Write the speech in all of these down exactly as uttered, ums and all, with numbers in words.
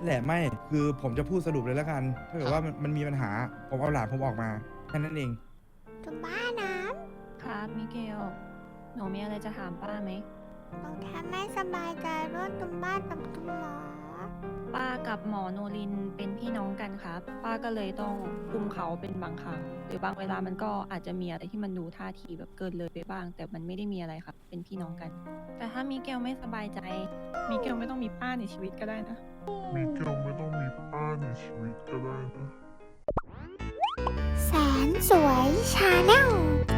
แหละไม่คือผมจะพูดสรุปเลยแล้วกันถ้าเกิดว่ามันมันมีปัญหาผมเอาหลานผมออกมาแค่นั้นเองจุมบ้าน้ครับมิเกล หนูมีอะไรจะถามป้าไหมำหนูแค่ไม่สบายใจเรื่องจุมบ้ากับจุมหมอป้ากับหมอโนรินเป็นพี่น้องกันครับ ป้าก็เลยต้องคุมเขาเป็นบางครั้ง หรือบางเวลามันก็อาจจะมีอะไรที่มันดูท่าทีแบบเกินเลยไปบ้าง แต่มันไม่ได้มีอะไรครับ เป็นพี่น้องกัน แต่ถ้ามิเกลไม่สบายใจ มิเกลไม่ต้องมีป้าในชีวิตก็ได้นะมิเกลไม่ต้องมีป้าในชีวิตก็ได้นะแสนสวยชาแนล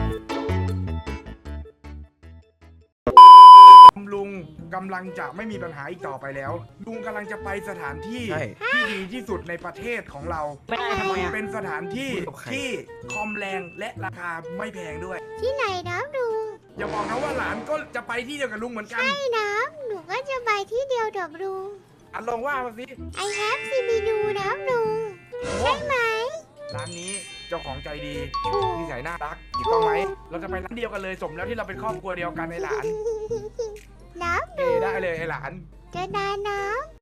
ลุงกำลังจะไม่มีปัญหาอีกต่อไปแล้ว ลุงกำลังจะไปสถานที่ใช่ที่ดีที่สุดในประเทศของเราไม่ได้ทำไมอ่ะเป็นสถานที่คุยกับใครที่คอมแรงและราคาไม่แพงด้วยที่ไหนนะลุงอย่าบอกนะว่าหลานก็จะไปที่เดียวกับลุงเหมือนกันใช่นะหนูก็จะไปที่เดียวกับลุงอ่ะลองว่ามาสิ I have ซี บี ดูนะลุง ใช่ไหมร้านนี้เจ้าของใจดีถูกนิสัยน่ารักถูกต้องไหมเราจะไปร้านเดียวกันเลยสมแล้วที่เราเป็นครอบครัวเดียวกันในหลานน้เอได้เลยไอ้หลานำจะได้น้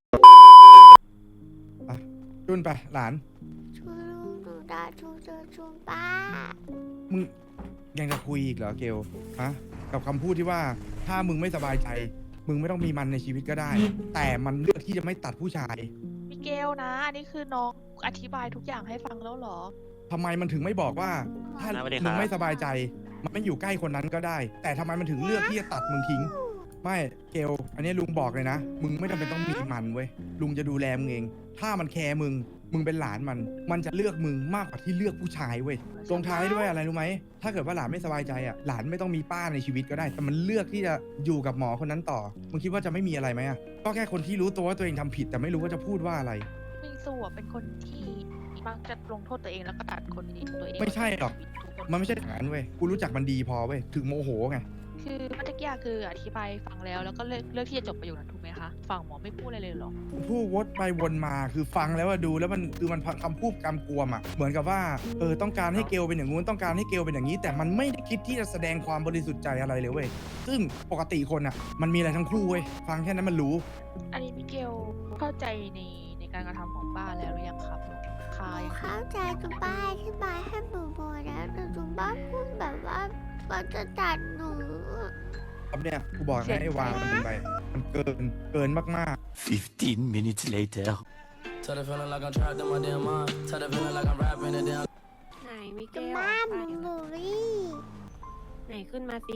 จุนไปหลานำชูลุงดูดาชูเจอชูป้ามึงยังจะคุยอีกเหรอเกลฮะกับคำพูดที่ว่าถ้ามึงไม่สบายใจ มึงไม่ต้องมีมันในชีวิตก็ได้ แต่มันเลือกที่จะไม่ตัดผู้ชายมิเกลนะ อันนี้คือน้องอธิบายทุกอย่างให้ฟังแล้วเหรอทำไมมันถึงไม่บอกว่า ถ้าสวัสดีครับมึงไม่สบายใจ มันไม่อยู่ใกล้คนนั้นก็ได้ แต่ทำไมมันถึงเลือกที่จะตัดมึงทิ้ง ไม่เกลอันนี้ลุงบอกเลยนะ มึงไม่จำเป็นต้องมีมันเว้ยลุงจะดูแลมึงเอง ถ้ามันแคร์มึง มึงเป็นหลานมัน มันจะเลือกมึงมากกว่าที่เลือกผู้ชายเว้ยลงท้ายด้วยอะไรรู้ไหมถ้าเกิดว่าหลานไม่สบายใจอ่ะหลานไม่ต้องมีป้าในชีวิตก็ได้ แต่มันเลือกที่จะอยู่กับหมอคนนั้นต่อมึงคิดว่าจะไม่มีอะไรไหมอ่ะก็แค่คนที่รู้ตัวว่าตัวเองทำผิด แต่ไม่รู้ว่าจะพูดว่าอะไรมิงซูอะเป็นคนที่มักจะลงโทษตัวเองแล้วก็ตัดคนอื่นตัวเองไม่ใช่หรอกทุกคนมันไม่ใช่อย่างนั้นเว้ยกูรู้จักมันดีพอเว้ยถึงโมโหไงคือเมื่อกี้คืออธิบายฟังแล้วแล้วก็เลือกเลือกที่จะจบประโยคนั้นถูกไหมคะฝั่งหมอไม่พูดอะไรเลยเหรอพูดวดไปวนมาคือฟังแล้วว่าดูแล้วมันคือมันคำพูดกำกวมอ่ะเหมือนกับว่าเออต้องการให้เกลเป็นอย่างงู้นต้องการให้เกลเป็นอย่างนี้ แต่มันไม่ได้คิดที่จะแสดงความบริสุทธิ์ใจอะไรเลยเว้ยซึ่งปกติคนอ่ะมันมีอะไรทั้งคู่เว้ยฟังแค่นั้นมันรู้อันนี้มิเกลเข้าใจในในการกระทำของป้าแล้วหรือยังครับคาหนูยังเข้าใจจุมบ้าอธิบายให้หนูหมดแล้วแต่จุมบ้าพูดแบบว่ามันจะตัดหนูครับเนี่ยกูบอกให้ไอ้วางมันเป็นไปมันเกินเกินมาก Fifteen minutes later. Tell the feeling like I'm trapped in my damn mind. Tell the feeling like I'm rapping it down. ไหนมิเกจุมลบ้าไปบูบูรี่ไหนขึ้นมาสิ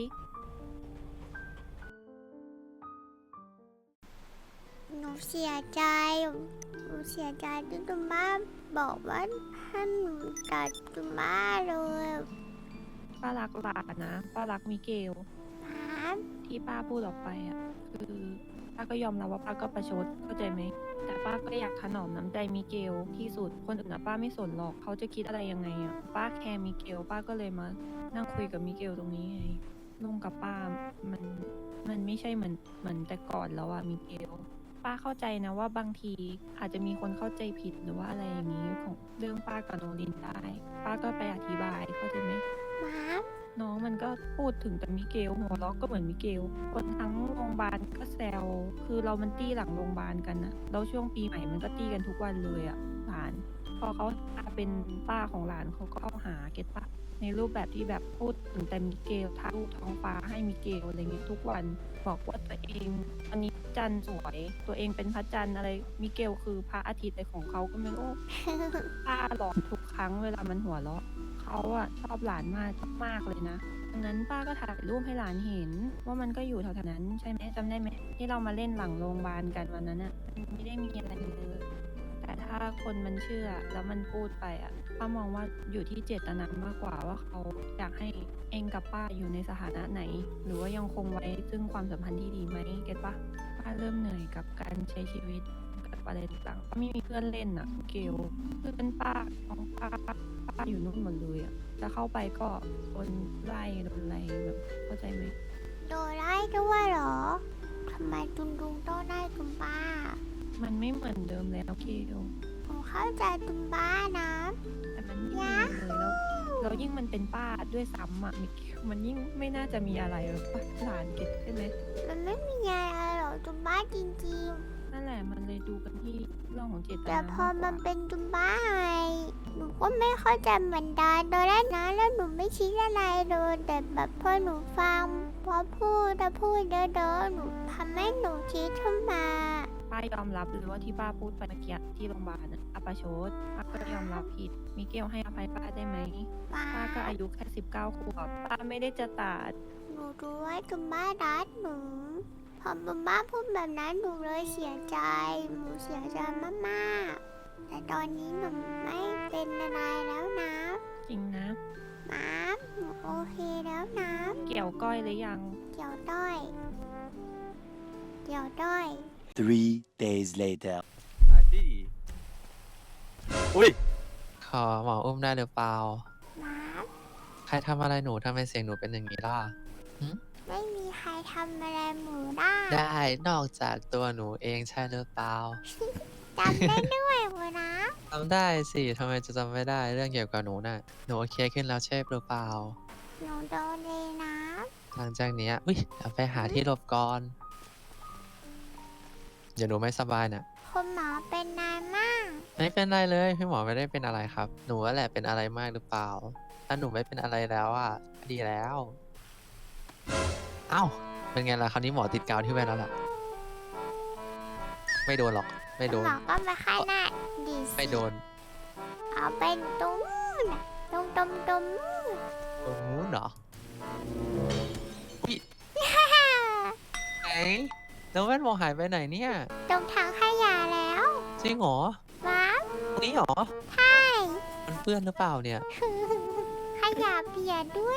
หนูเสียใจหนูเสียใจที่จุมบ้าบอกว่าให้หนูตัดจุมบ้าเลยป้ารักหลานนะ ป้ารักมิเกลครับที่ป้าพูดออกไปอ่ะ คือป้าก็ยอมรับว่าป้าก็ประชดเข้าใจไหม แต่ป้าก็อยากถนอมน้ำใจมิเกลที่สุดคนอื่นอะป้าไม่สนหรอกเขาจะคิดอะไรยังไงอ่ะป้าแคร์มิเกลป้าก็เลยมานั่งคุยกับมิเกลตรงนี้ไงลุงกับป้ามันมันไม่ใช่เหมือนเหมือนแต่ก่อนแล้วอ่ะมิเกลป้าเข้าใจนะว่าบางทีอาจจะมีคนเข้าใจผิดหรือว่าอะไรอย่างนี้ของเรื่องป้ากับโนรินได้ ป้าก็ไปอธิบายเข้าใจไหมครับน้องมันก็พูดถึงแต่มิเกลหัวเราะก็เหมือนมิเกลคนทั้งโรงพยาบาลก็แซวคือเรามันตี้หลังโรงพยาบาลกันนะแล้วช่วงปีใหม่มันก็ตี้กันทุกวันเลยอะหลาน พอเขาเป็นป้าของหลานเขาก็เข้าหาเก็ตปะในรูปแบบที่แบบพูดถึงแต่มิเกลท้ารูปท้องฟ้าให้มิเกลอะไรเงี้ยทุกวันบอกว่าตัวเองอันนี้จันทร์สวยตัวเองเป็นพระจันทร์อะไรมิเกลคือพระอาทิตย์อะไรของเขาก็ไม่รู้ ป้าหลอนทุกครั้งเวลามันหัวเราะเขาอะชอบหลานมากมากเลยนะดังนั้นป้าก็ถ่ายรูปให้หลานเห็น ว่ามันก็อยู่แถวๆนั้นใช่ไหมจำได้ไหมที่เรามาเล่นหลังโรงพยาบาลกันวันนั้นอะมันไม่ได้มีอะไรเลยแต่ถ้าคนมันเชื่อแล้วมันพูดไปอะป้ามองว่าอยู่ที่เจตนามากกว่าว่าเขาอยากให้เองกับป้าอยู่ในสถานะไหน หรือว่ายังคงไว้ซึ่งความสัมพันธ์ที่ดีไหมเก็ตปะป้าเริ่มเหนื่อยกับการใช้ชีวิต อะไรต่างๆป้าไม่มีเพื่อนเล่นอ่ะเกลคือเป็นป้าของป้าป้าอยู่นู่นหมดเลยอ่ะจะเข้าไปก็โดนไล่โดนอะไรแบบเข้าใจไหมโดนไล่ด้วยเหรอทำไมจุนดุงต้องได้จุมบ้ามันไม่เหมือนเดิมแล้วเกลหนูเข้าใจจุมบ้านะแต่มันไม่มีเลยแล้วแล้วยิ่งมันเป็นป้าด้วยซ้ำอ่ะมิเกลมันยิ่งไม่น่าจะมีอะไรหรอกป้าหลานเก็ตใช่ไหมมันไม่มีอะไรหรอกจุมบ้าจริงนนั่นแหละมันเลยดูกันที่เรื่องของเจตนาแต่พอากกมัว่านเป็นจุมบ้าไงหนูก็ไม่เข้าใจเหมือนกันตอนแรกนะแล้วหนูไม่คิดอะไรเลยแต่แบบพอหนูฟังพอพูดแล้วพูดเยอะๆหนูทำให้หนูคิดขึ้นมาป้ายอมรับเลยว่าที่ป้าพูดไปเมื่อกี้ที่โรงพยาบาลน่ะอาปาโชดป้าก็ยอมรับผิดมิเกลให้อภัยป้าได้ไหมป้าป้าก็อายุแค่สิบเก้าขวบป้าไม่ได้จะตัดหนูรู้ว่าจุมบ้ารักหนูพอจุมบ้าพูดแบบนั้นหนูเลยเสียใจหนูเสียใจมากๆแต่ตอนนี้หนูไม่เป็นอะไรแล้วนะจริงนะน้ำหนูโอเคแล้วนะเกี่ยวก้อยหรือยังเกี่ยวด้อยเกี่ยวด้อย Three days later. อุ้ย ขอหมออุ้มได้หรือเปล่าน้ใครทำอะไรหนูทำไมเสียงหนูเป็นอย่างนี้ล่ะำไม่มีใครทำอะไรหนูได้ได้นอกจากตัวหนูเองใช่หรือเปล่าจำได้ด้วยหัวนะจำได้สิทำไมจะจำไม่ได้เรื่องเกี่ยวกับหนูน่ะ หนูโอเคขึ้นแล้วใช่หรือเปล่าหนูโดนเลยนะหลังจากเนี้ยอุ้ยเดี๋ยวไปหาที่หลบก่อน เดี๋ยวหนูไม่สบายน่ะคุณหมอเป็นนายมากไม่เป็นไรเลยพี่หมอไม่ได้เป็นอะไรครับ หนูว่าแหละเป็นอะไรมากหรือเปล่า ถ้าหนูไม่เป็นอะไรแล้วอ่ะก็ดีแล้ว เอ้า เป็นไงล่ะคราวนี้หมอติดกาวที่แว่นแล้วล่ะ ไม่โดนหรอก ไม่โดคุณนหมอก็มาค่ายหน้าดีสิไม่โดนเอาเป็นตุ้มน่ะตุ้มตุ้มตุ้มตรงนู้นเหรออุ้ยไหนแล้วแว่นหมอหายไปไหนเนี่ยตรงทางขยะแล้วจริงเหรอว้าวตรงนี้เหรอใช่มันเปื้อนหรือเปล่าเนี่ยขยะเปียกด้วย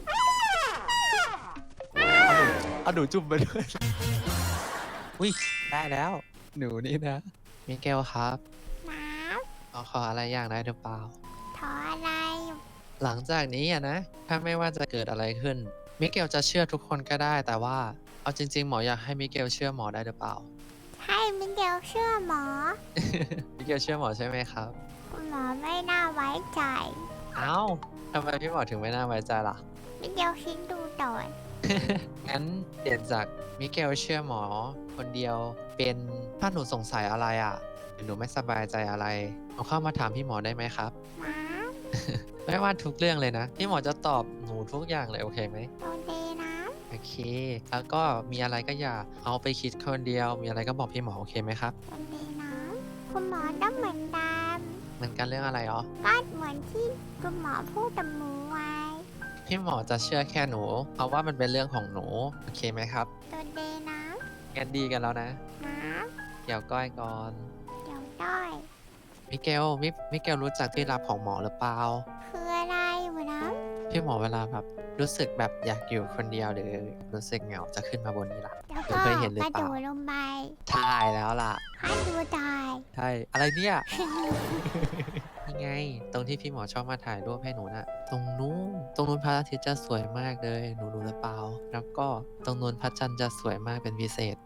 เอาหนูจุ่มไปด้วย อุ้ยได้แล้ว หนูนี่นะ มิเกลครับน้ขอขออะไรอย่างได้หรือเปล่าำถออะไรหลังจากนี้อะนะ ถ้าไม่ว่าจะเกิดอะไรขึ้น มิเกลจะเชื่อทุกคนก็ได้ แต่ว่า เอาจริง ๆ หมออยากให้มิเกลเชื่อหมอได้หรือเปล่าให้มิเกลเชื่อหมอมิเกลเชื่อหมอใช่ไหมครับคุณหมอไม่น่าไว้ใจเอ้าทำไมพี่หมอถึงไม่น่าไว้ใจล่ะมิเกลคิดดูต่อนงั้นเปลี่ยนจากมิเกลเชื่อหมอ คนเดียวเป็นถ้าหนูสงสัยอะไรอ่ะหรือหนูไม่สบายใจอะไรหนูเข้ามาถามพี่หมอได้ไหมครับน้ไม่ว่าทุกเรื่องเลยนะ พี่หมอจะตอบหนูทุกอย่างเลยโอเคไหมำโดนเดน้โอเค แล้วก็มีอะไรก็อย่าเอาไปคิดคนเดียว มีอะไรก็บอกพี่หมอโอเคไหมครับำโดนเดน้ำคุณหมอต้องเหมือนดมันกันเรื่องอะไรอ๋อำก็เหมือนที่คุณหมอพูดกับหมูไว้พี่หมอจะเชื่อแค่หนู เพราะว่ามันเป็นเรื่องของหนูโอเคไหมครับโดนเดน้งั้นดีกันแล้วนะำน้เกี่ยวก้อยก่อนำเดี๋ยวด้อยมิเกลมิมิเกลรู้จักที่รับของหมอหรือเปล่าคืออะไรหัวน้พี่หมอเวลาแบบรู้สึกแบบอยากอยู่คนเดียวหรือรู้สึกเหงาจะขึ้นมาบนนี้ล่ะำแล้วหนูก็เคยเห็นหรืกอระเปโดล่าดลงไปใช่แล้วล่ะฆ่าตัวตายใช่อะไรเนี่ย นี่ไง ตรงที่พี่หมอชอบมาถ่ายรูปให้หนูน่ะ ตรงนู้นตรงนู้นพระอาทิตย์จะสวยมากเลย หนูรู้หรือเปล่า แล้วก็ตรงนู้นพระจันทร์จะสวยมากเป็นพิเศษ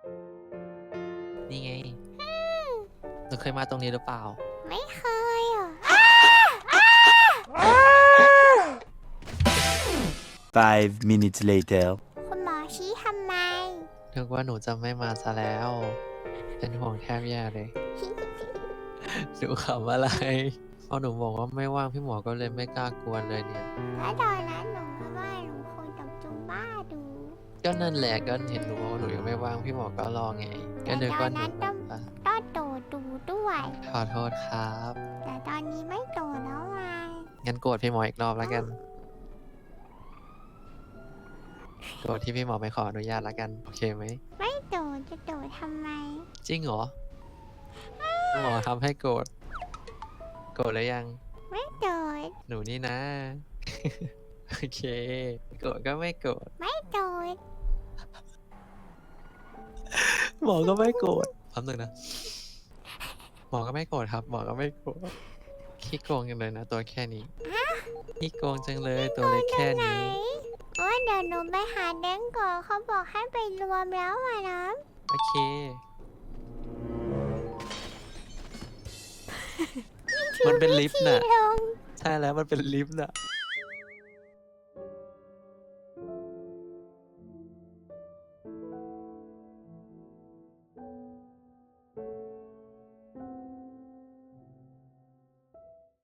นี่ไงหนูเคยมาตรงนี้หรือเปล่าไม่เคยอ่ะ Five minutes later. คุณหมอชี้ทำไมนึกว่าหนูจะไม่มาซะแล้ว เป็นห่วงแทบแย่เลย หนูขำอะไรพอหนูบอกว่าไม่ว่างพี่หมอก็เลยไม่กล้ากวนเลยเนี่ยแล้วตอนนั้นหนูก็ว่าหนูคงกับจุงบ้าดูก็นั่นแหละก็เห็นหนูว่าหนูยังไม่ว่างพี่หมอก็รอไงก็นึกว่าหนูอ่ะต้องโตดูด้วยขอโทษครับแต่ตอนนี้ไม่โตแล้วไงงั้นโกรธพี่หมออีกรอบแล้วกัน โกรธที่พี่หมอไม่ขออนุญาตแล้วกัน โอเคไหมไม่โตจะโตทำไมจริงเหรอพี่หมอทำให้โกรธ โกรธหรือยังไม่โตหนูนี่นะ โอเค โกรธก็ไม่โกรธไม่โตหมอก็ไม่โกรธคำหนึ่งนะ หมอก็ไม่โกรธครับ หมอก็ไม่โกรธขี้โกงจังเลยนะตัวแค่นี้ขี้โกงจังเลยตัวเล็กแค่ไหนนี้โอ้ยเดี๋ยวหนูไปหาแดงก่อนเขาบอกให้ไปรวมแล้วอ่ะนะโอเค มันเป็นลิฟต์น่ะที่ลงใช่แล้วมันเป็นลิฟต์น่ะ